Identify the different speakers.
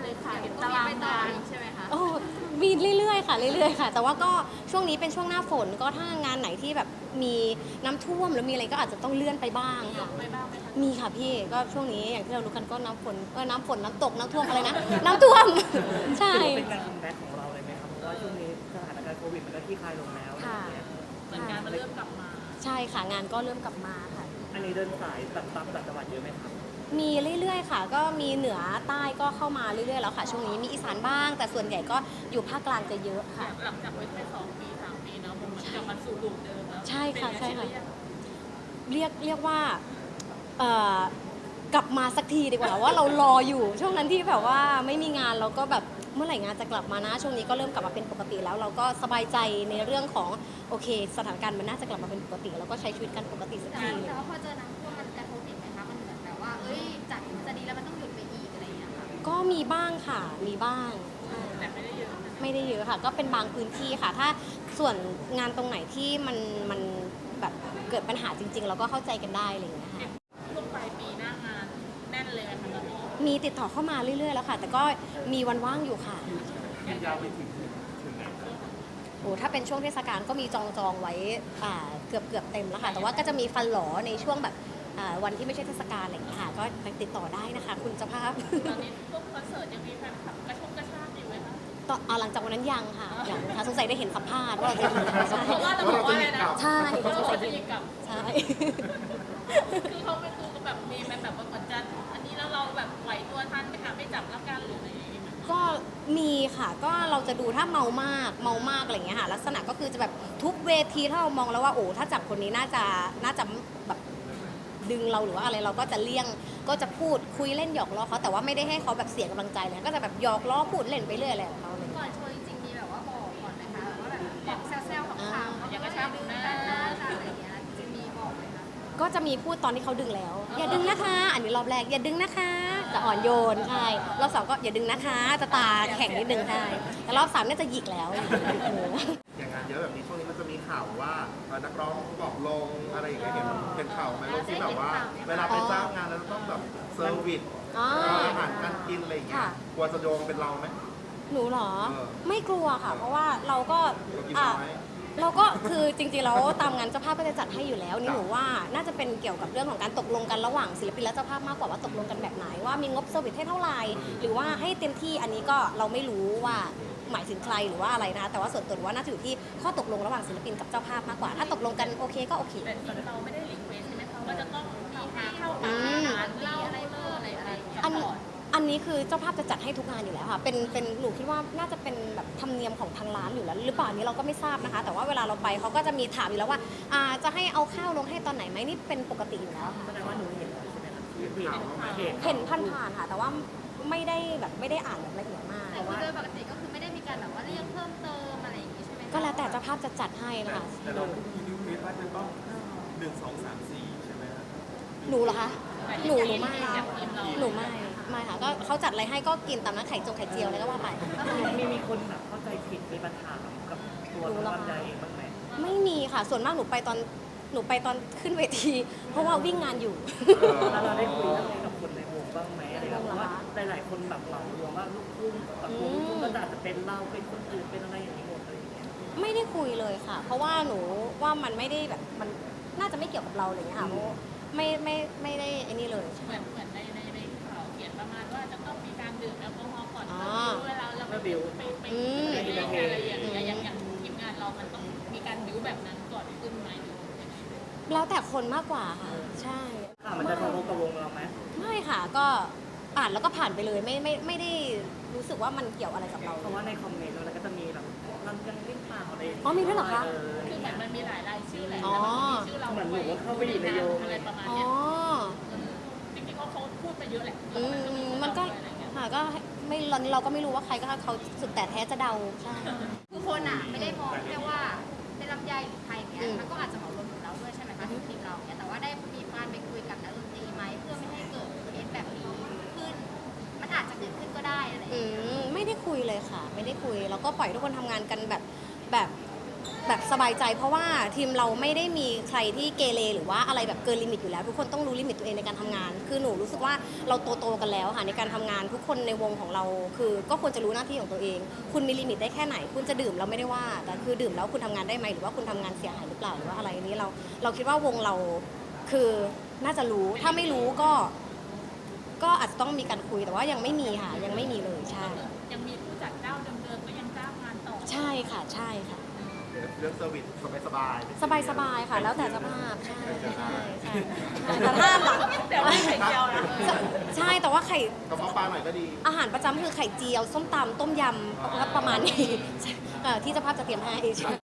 Speaker 1: เลยค่ะเห็นตารางงานใช่ไหมคะ
Speaker 2: โอ้มีเรื่อยๆค่ะเรื่อยๆค่ะแต่ว่าก็ช่วงนี้เป็นช่วงหน้าฝนก็ถ้างานไหนที่แบบมีน้ำท่วมหรือมีอะไรก็อาจจะต้องเลื่อนไปบ้างค่ะ
Speaker 1: ไปบ้างไหมคะ
Speaker 2: มีค่ะพี่ก็ช่วงนี้อย่างที่เรารู้กันก็น้ำฝนน้ำตกน้ำท่วมอะไรนะน้ำท่วมใช่
Speaker 3: ถือว่าเป็นการคัมแบ็กของเราเลยไหมครับเพราะว่าช่วงนี้สถานการณ์โควิดมันก็คลี่คลายลงแล้วอะไร
Speaker 2: ค่ะ
Speaker 3: อย่างเงี้ย
Speaker 1: เหมือนงานมันเริ่มกลับมา
Speaker 2: ใช่ค่ะงานก็เริ่มกลับมาค่ะ
Speaker 3: อันนี้เดินสายแบบตามต่างจังหวัดเยอะไหมครับ
Speaker 2: มีเรื่อยๆค่ะก็มีเหนือใต้ก็เข้ามาเรื่อยๆแล้วค่ะช่วงนี้มีอีสานบ้าง แต่ส่วนใหญ่ก็อยู่ภาคกลางจะเยอะค่ะ
Speaker 1: หลังจากไว้แค่2 ปี 3 ปีเนาะมันเหมือนกลับมาสู่รูปเดิมแล้ว
Speaker 2: ใช่ค่ะใช่ค่ะ
Speaker 1: เป็นไง
Speaker 2: เรียกว่ากลับมาสักทีดีกว่าว่าเรารออยู่ช่วงนั้นที่แบบว่าไม่มีงานเราก็แบบเมื่อไหร่งานจะกลับมานะช่วงนี้ก็เริ่มกลับมาเป็นปกติแล้วเราก็สบายใจในเรื่องของโอเคสถานการณ์มันน่าจะกลับมาเป็นปกติแล้วก็ใช้ชีวิตกันปกติสักที
Speaker 4: แต่ว่าพอเจอน้ำท่วมมันกระทบอีกไหมคะ มันเหมือนแบบว่า เอ้ยจากมันจะดีแล้วมันต้องหยุดไปอีกอะไรอย่างเงี้ยค่ะ
Speaker 2: ก็มีบ้างค่ะมีบ้างใช่
Speaker 1: แต่ไม่ได้เยอะนะ
Speaker 2: ไม่ได้เยอะค่ะก็เป็นบางพื้นที่ค่ะ ถ้าส่วนงานตรงไหนที่มันแบบเกิดปัญหาจริงๆเราก็เข้าใจกันได้อะไรอย่างเงี้ยค่ะ
Speaker 1: ช่วงปลายปีหน้างานแน่นเลยค่ะตอนนี้
Speaker 2: มีติดต่อเข้ามาเรื่อยๆแล้วค่ะ แต่ก็มีวันว่างอยู่ค่ะยาวไปถึงโอ้ถ้าเป็นช่วงเทศกาลก็มีจองไว้เกือบเต็มแล้วค่ะแต่ว่าก็จะมีฟันหลอในช่วงแบบวันที่ไม่ใช่เทศกาลอะไรอย่างเงี้ยค่ะก็ติดต่อได้นะคะ คุณเจ้าภาพ
Speaker 1: ตอนนี้พวกคอนเสิร์ตยังมีแฟนคลับกระชากอยู่ไหมคะ
Speaker 2: ต่อหลังจากวันนั้นยังค่ะอย่างค่ะสงสัยได้เห็นสัมภาษณ์ว่าเราจะใช่
Speaker 1: เพราะว่าเราบอกว่าอะไรนะ
Speaker 2: ใช่
Speaker 1: เรา
Speaker 2: สง
Speaker 1: บอ
Speaker 2: สั
Speaker 1: ก
Speaker 2: ย
Speaker 1: จะ
Speaker 2: ได้
Speaker 1: ยิงกลับ
Speaker 2: ใช่
Speaker 1: คือเขาไม่คือแบบมีแบบว่าเหมือนจะอันนี้แล้วเราแบบไหวตัวทันไปหาไม่จับแล้วกันหรืออะไรอย่างเงี้ย
Speaker 2: ก็มีค่ะก็เราจะดูถ้าเมามากอะไรอย่างเงี้ยค่ะลักษณะก็คือจะแบบทุกเวทีถ้าเรามองแล้วว่าโอ้ถ้าจับคนนี้น่าจะแบบดึงเราหรือว่าอะไรเราก็จะเลี่ยงก็จะพูดคุยเล่นหยอกล้อเขาแต่ว่าไม่ได้ให้เขาแบบเสียกำลังใจเลยก็จะแบบหยอกล้อพูดเล่นไปเรื่อยอะไรของเขาเลย
Speaker 4: ก่อนโชว์จริงๆมีแบบว่าบอกก่อนไหมคะแบบว่าแบบบอกแซวๆของข่าวๆ
Speaker 1: อย่างกระชับหน้า
Speaker 4: อะไรอย่างเงี้ยจริงๆมีบอกไหมคะ
Speaker 2: ก็จะมีพูดตอนที่เขาดึงแล้ว อย่าดึงนะคะ อันนี้รอบแรกอย่าดึงนะคะจะอ่อนโยนใช่รอบสองก็อย่าดึงนะคะจะตาแข็งนิดนึงใช่แต่รอบสามน่าจะหยิกแล้วโอ้โห
Speaker 5: อย่างงานเยอะแบบนี้ช่วงนี้มันจะมีข่าวว่านักร้องบอกลงอะไรอย่างเงี้ยเห็นข่าวไหมลงที่แบบว่า เวลาไปจ้างงานแล้วต้องแบบเซอร์วิส
Speaker 2: อ๋อ
Speaker 5: อาหารการกินอะไรอย่างเงี้ย
Speaker 2: ค่ะ
Speaker 5: กลัวจะโยงเป็นเราไหม
Speaker 2: หนูเหรอ
Speaker 5: เออ
Speaker 2: ไม่กลัวค่ะ เพราะว่าเราก็
Speaker 5: เรากิน
Speaker 2: อ่ะ
Speaker 5: น้อย
Speaker 2: เราก็คือจริงๆแล้วตามงานเจ้าภาพก็จะจัดให้อยู่แล้วนี่หนูว่าน่าจะเป็นเกี่ยวกับเรื่องของการตกลงกันระหว่างศิลปินและเจ้าภาพมากกว่าว่าตกลงกันแบบไหนว่ามีงบเซอร์วิสให้เท่าไหร่หรือว่าให้เต็มที่อันนี้ก็เราไม่รู้ว่าหมายถึงใครหรือว่าอะไรนะคะแต่ว่าส่วนตัวหนูว่าน่าจะอยู่ที่ข้อตกลงระหว่างศิลปินกับเจ้าภาพมากกว่าถ้าตกลงกันโอเคก็โอเค
Speaker 1: แต่จริงเราไม่ได้รีเควสใช่ไหมคะว่าจะต้องมีให้เข้า
Speaker 2: อื
Speaker 1: อาม หารเหล้าอะไรเพิ่มอะไรอย่างเงี้ย
Speaker 2: อัน
Speaker 1: ก่อน
Speaker 2: อันนี้คือเจ้าภาพจะจัดให้ทุกงานอยู่แล้วค่ะ เป็นหนูคิดว่าน่าจะเป็นแบบธรรมเนียมของทางร้านอยู่แล้วหรือเปล่าอันนี้เราก็ไม่ทราบนะคะ แต่ว่าเวลาเราไปเขาก็จะมีถามอยู่แล้วว่าจะให้เอาข้าวลงให้ตอนไหนไหมนี่เป็นปกติอยู่แล้วค่ะ
Speaker 3: แสดงว่าหนูเห็นแล้วใช่ไหมครับเห็นข่าวเห็น
Speaker 2: เห็นผ่านๆค่ะ แต่ว่าไม่ได้อ่านแบบละเอียดมาก
Speaker 4: แต่คือโดยปกติก็คือไม่ได้มีการแบบว่าเรียกเพิ่มเติมอะไรอย่างงี้ใช่ไหมคะ
Speaker 2: ก็แล้วแต่เจ้าภาพจะจัดให้นะคะ
Speaker 5: แต่เรามีนิวเคลียสว่าจะต้อง1 2 3 4ใช่ไหมครับ
Speaker 2: หนูเหรอคะหนูไม่
Speaker 1: จากทีมเรา
Speaker 2: หนูไม่ค่ะก็เขาจัดอะไรให้ก็กินตามนั้นไข่จงไข่เจียวอะไรก็ว่าไป
Speaker 3: มีคนแบบเข้าใจผิดมีปัญหากับตัวน้องลำไยเองบ้างไหม
Speaker 2: ไม่มีค่ะ ส่วนมากหนูไปตอนขึ้นเวที เพราะว่าวิ่งงานอยู่
Speaker 3: แล้วเราได้คุยเรื่องนี้กับคนในวงบ้างไหมอะไรเงี้ยเพราะว่าหลายๆคนแบบเหมารวมว่าลูกทุ่งแบบวงลูกทุ่งก็อาจจะเป็นเราเป็นคนอื่นเป็นอะไรอย่างนี้หมดอะไรอย่างเงี้ย
Speaker 2: ไม่ได้คุยเลยค่ะ เพราะว่าหนูว่ามันไม่ได้แบบมันน่าจะไม่เกี่ยวกับเราเลยค่ะเพราะไม่ได้ไอ้นี่เลย
Speaker 1: เหมือนในข่าวเขียนประมาณว่าจะต้องมีการดื่มแอลกอฮอล์ก่อน
Speaker 2: อ๋อ
Speaker 1: เวลาเราไปไปเล่นอะไรอย่างเงี้ยอย่างทีมงานเรามันต้องมีการบิ้วแบบนั้นก่อนขึ้นไหมหรือยังไง
Speaker 2: แล้วแต่คนมากกว่าค่ะ ใช่
Speaker 3: ค่ะมันจะทะลุกับวงเราไหม
Speaker 2: ไม่ค่ะก็อ่านแล้วก็ผ่านไปเลยไม่ได้รู้สึกว่ามันเกี่ยวอะไรกับเรา
Speaker 3: เพราะว่าในคอมเมนต์เราก็จะมีแบบลำยังเล่นเปล่าอะไร
Speaker 2: อ๋อมีด้วยเหรอคะ
Speaker 1: คือเหมือนมันมีหลายรายชื่อแหละ
Speaker 2: อ๋อ
Speaker 1: แล้วมันมีชื่อเราด้วยอะไรประมาณ
Speaker 2: อ๋อ
Speaker 1: เนี้ยจริงๆเขาพูดไปเยอะแหละ
Speaker 2: มันก็ค่ะก็ไม่เราก็ไม่รู้ว่าใครก็เขาสุดแต่แท้จะเดาใช่
Speaker 4: คือคนอ่ะไม่ได้มองแค่ว่าเป็นลำไยหรือใครอย่างเงี้ยมันก็อาจจะเหมารวมถึงเราด้วยใช่ไหมคะทีมเราเนี้ยแต่ว่าได้มีการไปคุยกับนักดนตรีไหมเพื่อไม่ให้เกิดเคสแบบนี้ขึ้น มันอาจจะเกิดขึ้นก็ได้อะไรอย่างเงี้ย
Speaker 2: ไม่ได้คุยเลยค่ะ ไม่ได้คุยเราก็ปล่อยทุกคนทำงานกันแบบแบบสบายใจเพราะว่าทีมเราไม่ได้มีใครที่เกเรหรือว่าอะไรแบบเกินลิมิตอยู่แล้วทุกคนต้องรู้ลิมิตตัวเองในการทำงาน คือหนูรู้สึกว่าเราโตกันแล้วค่ะในการทำงานทุกคนในวงของเราคือก็ควรจะรู้หน้าที่ของตัวเอง คุณมีลิมิตได้แค่ไหน คุณจะดื่มเราไม่ได้ว่าแต่คือดื่มแล้วคุณทำงานได้ไหมหรือว่าคุณทำงานเสียหายหรือเปล่าหรือว่าอะไรนี้เราคิดว่าวงเราคือน่าจะรู้ถ้าไม่รู้ก็อาจจะต้องมีการคุยแต่ว่ายังไม่มีค่ะยังไม่มีเลยใช่
Speaker 1: ยังมีผู้จัดเจ้าเดิมๆก็ยังจ้างงานต่อ
Speaker 2: ใช่ค่ะใช่ค่ะ
Speaker 5: เรื่องเซอร์วิสสบาย
Speaker 2: สบายๆค่ะ แล้วแต่สภาพใช่ใช่ใช่แต่ถ้าหลัง
Speaker 1: แต่ว่าไข่เจียวนะ
Speaker 2: ใช่แต่ว่าไข่
Speaker 5: กระเพาะปลาหน่อยก็ดี
Speaker 2: อาหารประจำคือไข่เจียวส้มตำต้มยำประมาณนี้ที่เจ้าภาพจะเตรียมให้